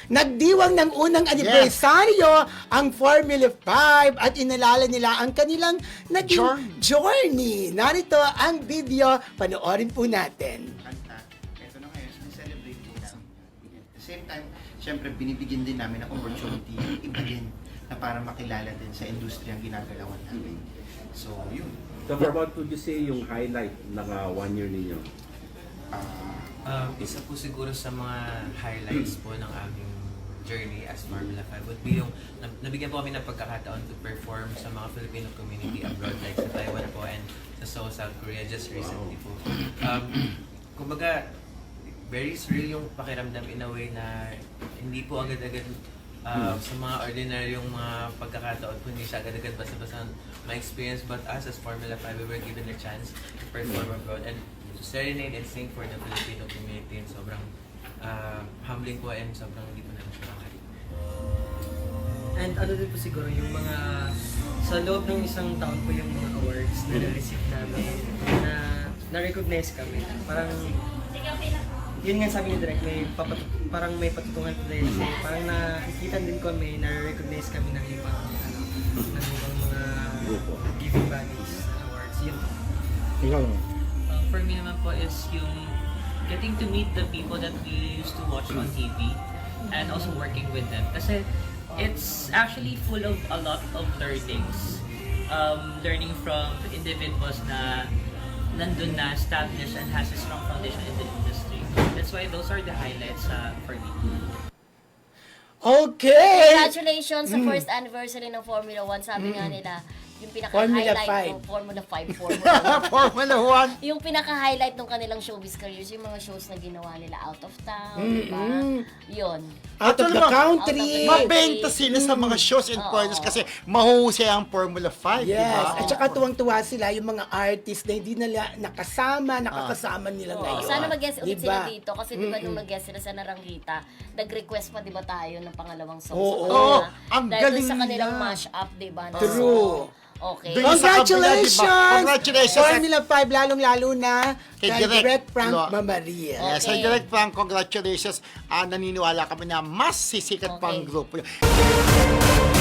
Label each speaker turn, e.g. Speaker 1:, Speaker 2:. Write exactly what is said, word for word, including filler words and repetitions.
Speaker 1: nagdiwang ng unang anibersaryo ang Formula five at inalala nila ang kanilang naging journey. Narito ang video, panoorin po natin.
Speaker 2: Kanta. Ito na ngayon, celebrate po namin. At the same time, syempre binibigyan din namin ng opportunity yung iba din na para makilala din sa industriyang ginagalawan namin. So, yun.
Speaker 3: So, what would you say yung highlight ng uh, one year ninyo?
Speaker 2: Ah,
Speaker 4: Um, isa po siguro sa mga highlights po ng aming journey as Formula five would be yung nab- nabigyan po kami ng pagkakataon to perform sa mga Filipino community abroad like sa Taiwan po and sa Seoul, South Korea just recently po. Um, kumbaga, very surreal yung pakiramdam in a way na hindi po agad-agad uh, sa mga ordinaryong mga pagkakataon po hindi siya agad-agad basta-basta ma-experience, but us as Formula five we were given a chance to perform abroad and to serenade and sing for the Filipino community and sobrang uh, humbling po and sobrang hindi po namin siya makari.
Speaker 5: And ano din po siguro yung mga sa loob ng isang taon po yung mga awards na na-receive namin na na-recognize kami. Parang yun nga sabi ni Direk, may papatu- parang may patutungan po dahil parang nakikita din kami, na-recognize kami ng ibang ano, ng ibang mga giving bodies awards. Yun.
Speaker 6: Uh, for me naman po is yung getting to meet the people that we used to watch on T V and also working with them. Kasi it's actually full of a lot of learnings. Um, learning from individuals na nandun na, established and has a strong foundation in the industry. That's why those are the highlights uh, for me.
Speaker 1: Okay!
Speaker 7: Congratulations sa first anniversary ng Formula one. Sabi nga nila, yung pinaka-highlight ng Formula five, Formula one.
Speaker 2: Formula one.
Speaker 7: Yung pinaka-highlight ng kanilang showbiz careers, yung mga shows na ginawa nila out of town, di ba? Yun.
Speaker 1: Out of the
Speaker 2: Actually,
Speaker 1: country!
Speaker 7: out of the
Speaker 2: Mabenta sila sa mga shows and points kasi mahuhusay ang Formula five, di
Speaker 1: Yes,
Speaker 2: ba?
Speaker 1: at saka tuwang-tuwa sila yung mga artist na hindi nila nakasama, nakakasama nila
Speaker 7: Oo,
Speaker 1: ngayon.
Speaker 7: sana mag-guest ulit sila
Speaker 1: Diba?
Speaker 7: dito kasi di ba nung nag-guest sila sa Narangita, nag-request pa di ba tayo ng pangalawang song
Speaker 1: Oo.
Speaker 7: sa kanila.
Speaker 2: Oo, ang
Speaker 7: Dahil
Speaker 2: galing
Speaker 7: dun sa kanilang
Speaker 2: nila.
Speaker 7: mash-up, di ba? na
Speaker 1: True.
Speaker 7: song. Okay.
Speaker 2: Dun- sa kabila,
Speaker 1: Congratulations!
Speaker 2: diba? Congratulations!
Speaker 1: Formula five, lalong-lalo na
Speaker 2: Kay
Speaker 1: kay
Speaker 2: Direk
Speaker 1: Direk Frank
Speaker 2: Lo-
Speaker 1: Mamaria.
Speaker 2: Yes,
Speaker 7: Okay.
Speaker 2: sa Direct Frank, congratulations. Ah, naniniwala kami na mas sisikat pa ang
Speaker 7: Okay.
Speaker 2: grupo.